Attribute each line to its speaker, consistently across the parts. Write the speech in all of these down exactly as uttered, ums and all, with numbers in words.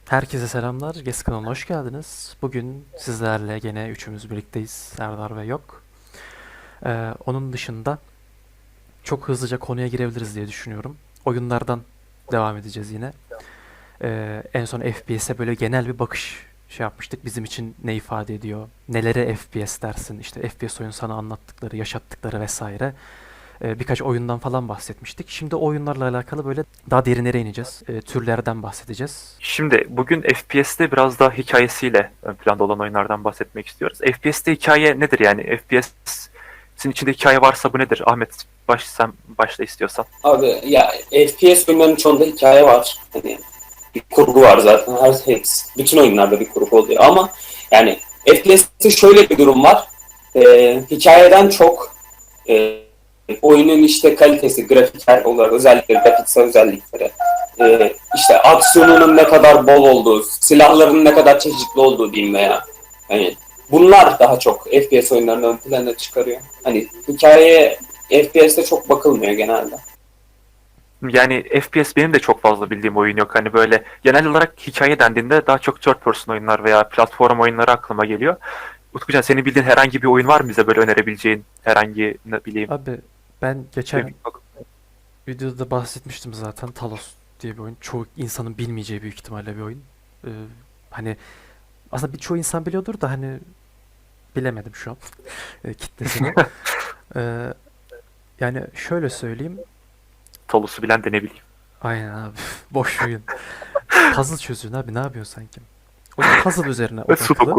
Speaker 1: Herkese selamlar. Gez kanalına hoş geldiniz. Bugün sizlerle gene üçümüz birlikteyiz. Serdar ve yok. Ee, onun dışında çok hızlıca konuya girebiliriz diye düşünüyorum. Oyunlardan devam edeceğiz yine. Ee, en son F P S'e böyle genel bir bakış şey yapmıştık. Bizim için ne ifade ediyor? Nelere F P S dersin? İşte F P S oyun sana anlattıkları, yaşattıkları vesaire. Ee, birkaç oyundan falan bahsetmiştik. Şimdi oyunlarla alakalı böyle daha derinlere ineceğiz. Ee, türlerden bahsedeceğiz.
Speaker 2: Şimdi bugün F P S'te biraz daha hikayesiyle ön planda olan oyunlardan bahsetmek istiyoruz. F P S'te hikaye nedir yani? F P S'in içinde hikaye varsa bu nedir? Ahmet baş, sen başla istiyorsan.
Speaker 3: Abi ya F P S oyunlarının çoğunda hikaye var. Hani bir kurgu var zaten. Her hepsi, bütün oyunlarda bir kurgu oluyor ama yani F P S'te şöyle bir durum var. Ee, hikayeden çok e, oyunun işte kalitesi, grafiksel olarak özellikleri, grafiksel özellikleri, e, işte aksiyonunun ne kadar bol olduğu, silahların ne kadar çeşitli olduğu diyeyim veya hani bunlar daha çok F P S oyunlarını ön plana çıkarıyor. Hani hikayeye F P S'te çok bakılmıyor genelde.
Speaker 2: Yani F P S benim de çok fazla bildiğim oyun yok. Hani böyle genel olarak hikaye dendiğinde daha çok third person oyunlar veya platform oyunları aklıma geliyor. Utkucan senin bildiğin herhangi bir oyun var mı bize böyle önerebileceğin herhangi ne bileyim
Speaker 1: Abi ben geçen
Speaker 2: bir
Speaker 1: videoda bahsetmiştim zaten. Talos diye bir oyun. Çoğu insanın bilmeyeceği büyük ihtimalle bir oyun. Ee, hani aslında birçoğu insan biliyordur da hani bilemedim şu an e, kitlesini. Ee, yani şöyle söyleyeyim.
Speaker 2: Talus'u bilen de ne bileyim.
Speaker 1: Aynen abi. Boş oyun. Puzzle çözüyorsun abi. Ne yapıyorsun sanki? Oyun puzzle üzerine odaklı.
Speaker 2: Sudoku.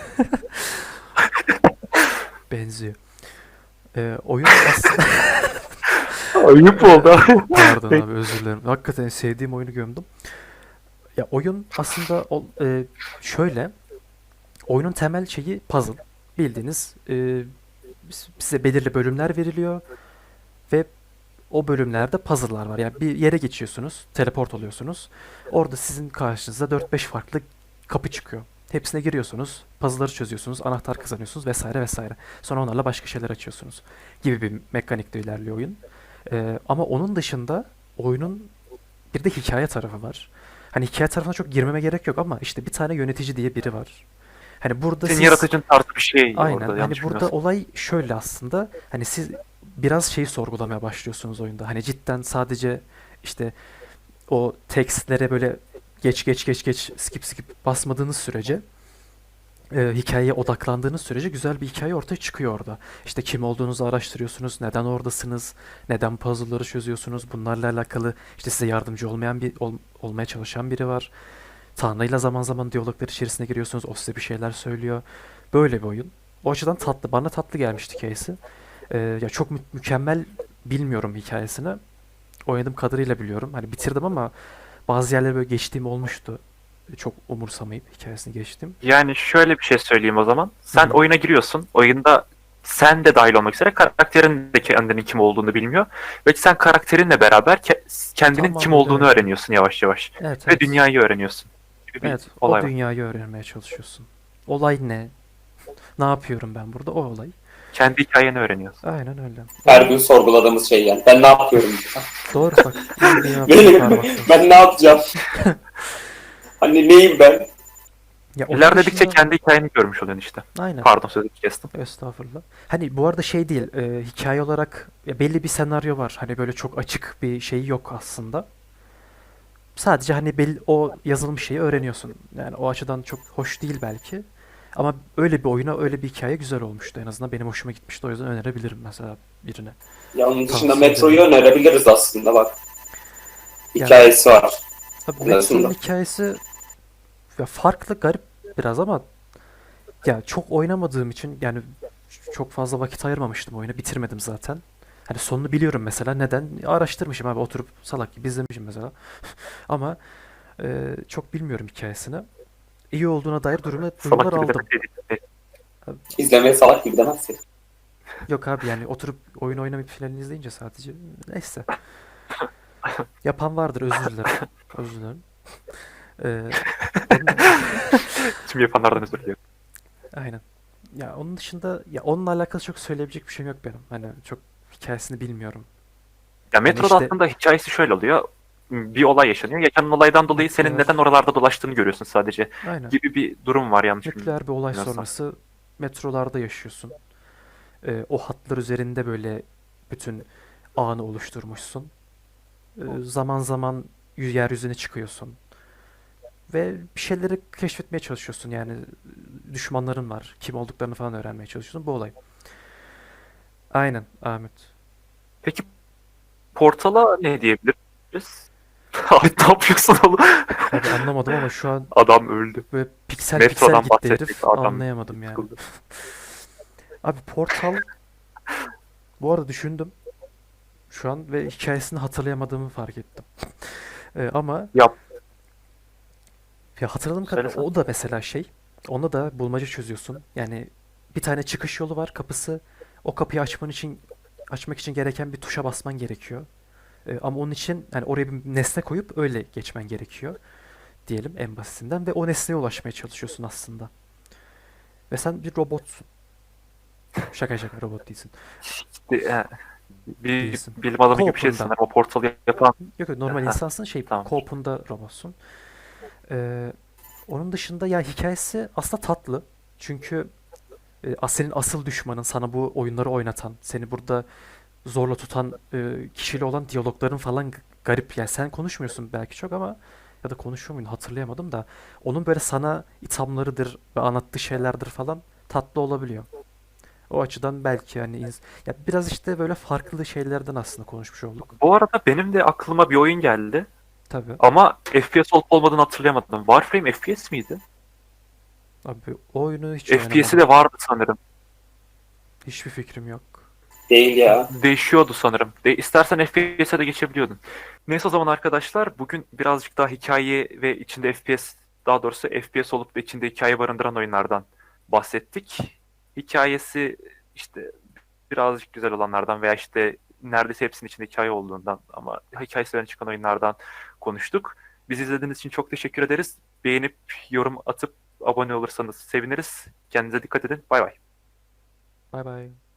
Speaker 1: Benziyor. Ee, oyun aslında...
Speaker 2: Ayıp oldu.
Speaker 1: Pardon abi, özür dilerim. Hakikaten sevdiğim oyunu gömdüm. Ya oyun aslında o- e, şöyle. Oyunun temel şeyi puzzle. Bildiğiniz e, size belirli bölümler veriliyor ve o bölümlerde puzzle'lar var. Yani bir yere geçiyorsunuz, teleport oluyorsunuz. Orada sizin karşınıza dört beş farklı kapı çıkıyor. Hepsine giriyorsunuz, puzzle'ları çözüyorsunuz, anahtar kazanıyorsunuz vesaire vesaire. Sonra onlarla başka şeyler açıyorsunuz gibi bir mekanikle ilerliyor oyun. Ee, ama onun dışında oyunun bir de hikaye tarafı var. Hani hikaye tarafına çok girmeme gerek yok ama işte bir tane yönetici diye biri var. Hani burada
Speaker 2: Senin
Speaker 1: siz
Speaker 2: yaratıcın tarzı bir şey
Speaker 1: aynen
Speaker 2: orada
Speaker 1: hani
Speaker 2: yanlış
Speaker 1: burada
Speaker 2: bilmiyorsam.
Speaker 1: olay şöyle aslında hani siz biraz şeyi sorgulamaya başlıyorsunuz oyunda. Hani cidden sadece işte o tekstlere böyle geç geç geç geç skip skip basmadığınız sürece e, hikayeye odaklandığınız sürece güzel bir hikaye ortaya çıkıyor orada. İşte kim olduğunuzu araştırıyorsunuz, neden oradasınız, neden puzzle'ları çözüyorsunuz. Bunlarla alakalı işte size yardımcı olmayan bir ol- olmaya çalışan biri var. Tanrı'yla zaman zaman diyaloglar içerisine giriyorsunuz. O size bir şeyler söylüyor. Böyle bir oyun. O açıdan tatlı. Bana tatlı gelmişti hikayesi. Ee, ya çok mü- mükemmel bilmiyorum hikayesini. Oynadığım kadarıyla biliyorum. Hani bitirdim ama bazı yerlere böyle geçtiğim olmuştu. Çok umursamayıp hikayesini geçtim.
Speaker 2: Yani şöyle bir şey söyleyeyim o zaman.
Speaker 1: Hı
Speaker 2: Sen
Speaker 1: hı.
Speaker 2: oyuna giriyorsun. Oyunda sen de dahil olmak üzere karakterin de kendinin kim olduğunu bilmiyor. Ve sen karakterinle beraber ke- kendinin kim
Speaker 1: Tamamıyla
Speaker 2: olduğunu
Speaker 1: öyle.
Speaker 2: öğreniyorsun yavaş yavaş.
Speaker 1: Evet,
Speaker 2: Ve
Speaker 1: evet.
Speaker 2: dünyayı öğreniyorsun gibi bir
Speaker 1: Evet, o
Speaker 2: olay var.
Speaker 1: dünyayı öğrenmeye çalışıyorsun. Olay ne? Ne yapıyorum ben burada? O olay.
Speaker 2: Kendi hikayeni öğreniyorsun.
Speaker 1: Aynen öyle.
Speaker 3: Her gün
Speaker 1: Oyun
Speaker 3: sorguladığımız şey yani. Ben ne yapıyorum?
Speaker 1: doğru, bak. İyi bir noktaya
Speaker 3: Benim,
Speaker 1: parmak bastın.
Speaker 3: ben ne yapacağım? Hani neyim ben?
Speaker 1: Ya onun
Speaker 2: İlerledikçe
Speaker 1: dışında
Speaker 2: kendi hikayeni görmüş oluyorsun işte.
Speaker 1: aynen.
Speaker 2: Pardon sözünü kestim.
Speaker 1: Estağfurullah. Hani bu arada şey değil, e, hikaye olarak ya belli bir senaryo var. Hani böyle çok açık bir şey yok aslında. Sadece hani belli, o yazılmış şeyi öğreniyorsun. Yani o açıdan çok hoş değil belki. Ama öyle bir oyuna öyle bir hikaye güzel olmuştu en azından. Benim hoşuma gitmişti. O yüzden önerebilirim mesela birine.
Speaker 3: Ya onun dışında
Speaker 1: Tavsiye
Speaker 3: Metro'yu
Speaker 1: edebilirim.
Speaker 3: önerebiliriz aslında bak.
Speaker 1: Ya
Speaker 3: Hikayesi var
Speaker 1: tabii
Speaker 3: en
Speaker 1: Metro'nun
Speaker 3: azından.
Speaker 1: hikayesi ya farklı, garip biraz ama ya çok oynamadığım için yani çok fazla vakit ayırmamıştım oyuna. Bitirmedim zaten. Hani sonunu biliyorum mesela. Neden? Araştırmışım abi. Oturup salak gibi izlemişim mesela. Ama e, çok bilmiyorum hikayesini. İyi olduğuna dair durumda
Speaker 2: Salak
Speaker 1: duyumlar
Speaker 2: gibi
Speaker 1: aldım.
Speaker 2: demek değil.
Speaker 1: Abi,
Speaker 3: İzlemeye salak gibi demezsin.
Speaker 1: yok abi yani oturup oyun oynamayıp filan izleyince sadece. Neyse. Yapan vardır, özür dilerim. Özür dilerim. Ee, onun...
Speaker 2: Tüm yapanlardan özür diliyorum.
Speaker 1: Aynen. Ya onun dışında ya onunla alakalı çok söyleyebilecek bir şeyim yok benim. Hani çok hikayesini bilmiyorum.
Speaker 2: Ya
Speaker 1: Hani
Speaker 2: Metro'da
Speaker 1: işte
Speaker 2: aslında hikayesi şöyle oluyor. bir olay yaşanıyor. Yaşanan olaydan dolayı senin
Speaker 1: Nükleer.
Speaker 2: neden oralarda dolaştığını görüyorsun sadece
Speaker 1: Aynen.
Speaker 2: gibi bir durum var yanlış
Speaker 1: Nükleer bir olay
Speaker 2: bilmiyorsam.
Speaker 1: sonrası metrolarda yaşıyorsun. Ee, o hatlar üzerinde böyle bütün ağını oluşturmuşsun. Ee, zaman zaman y- yeryüzüne çıkıyorsun. Ve bir şeyleri keşfetmeye çalışıyorsun. Yani düşmanların var. Kim olduklarını falan öğrenmeye çalışıyorsun. Bu olay. Aynen Ahmet.
Speaker 2: Peki Portal'a ne diyebiliriz? Abi ne yapıyorsun oğlum?
Speaker 1: Abi anlamadım ama şu an
Speaker 2: Adam öldü.
Speaker 1: böyle piksel piksel
Speaker 2: Metrodan
Speaker 1: gitti
Speaker 2: bahsettik.
Speaker 1: herif.
Speaker 2: Adam
Speaker 1: Anlayamadım yani.
Speaker 2: sıkıldı.
Speaker 1: Abi Portal bu arada düşündüm şu an ve hikayesini hatırlayamadığımı fark ettim. Ee, ama
Speaker 2: Yap.
Speaker 1: ya hatırladığım kadarıyla
Speaker 2: Söylesene.
Speaker 1: o da mesela şey. Onda da bulmaca çözüyorsun. Yani bir tane çıkış yolu var, kapısı. O kapıyı açman için açmak için gereken bir tuşa basman gerekiyor. Ee, ama onun için yani oraya bir nesne koyup öyle geçmen gerekiyor diyelim en basitinden ve o nesneye ulaşmaya çalışıyorsun aslında. Ve sen bir robotsun. Şaka şaka robot değilsin.
Speaker 2: İşte, e, bir
Speaker 1: Değilsin.
Speaker 2: bilim adamı gibi bir şey
Speaker 1: Co-op'unda.
Speaker 2: sanırım. O portalı yapan.
Speaker 1: Yok yok normal
Speaker 2: Heh,
Speaker 1: insansın şey
Speaker 2: tamam.
Speaker 1: co-op'unda robotsun. Ee, onun dışında ya hikayesi aslında tatlı. Çünkü e, as- senin asıl düşmanın sana bu oyunları oynatan, seni burada zorla tutan e, kişiyle olan diyalogların falan g- garip. Yani sen konuşmuyorsun belki çok ama ya da konuşuyor muydun hatırlayamadım da onun böyle sana ithamlarıdır ve anlattığı şeylerdir falan tatlı olabiliyor. O açıdan belki yani ins- ya biraz işte böyle farklı şeylerden aslında konuşmuş olduk.
Speaker 2: Bu arada benim de aklıma bir oyun geldi.
Speaker 1: Tabii.
Speaker 2: Ama F P S olup olmadığını hatırlayamadım. Warframe F P S miydi?
Speaker 1: Abi o oyunu hiç
Speaker 2: F P S'i
Speaker 1: oynamadım.
Speaker 2: de vardı sanırım.
Speaker 1: Hiçbir fikrim yok.
Speaker 3: Değil ya.
Speaker 2: Değişiyordu sanırım. De istersen F P S'e de geçebiliyordun. Neyse o zaman arkadaşlar bugün birazcık daha hikaye ve içinde F P S daha doğrusu F P S olup da içinde hikaye barındıran oyunlardan bahsettik. Hikayesi işte birazcık güzel olanlardan veya işte neredeyse hepsinin içinde hikaye olduğundan ama hikayesi öne çıkan oyunlardan konuştuk. Bizi izlediğiniz için çok teşekkür ederiz. Beğenip yorum atıp abone olursanız seviniriz. Kendinize dikkat edin. Bay bay.
Speaker 1: Bay bay.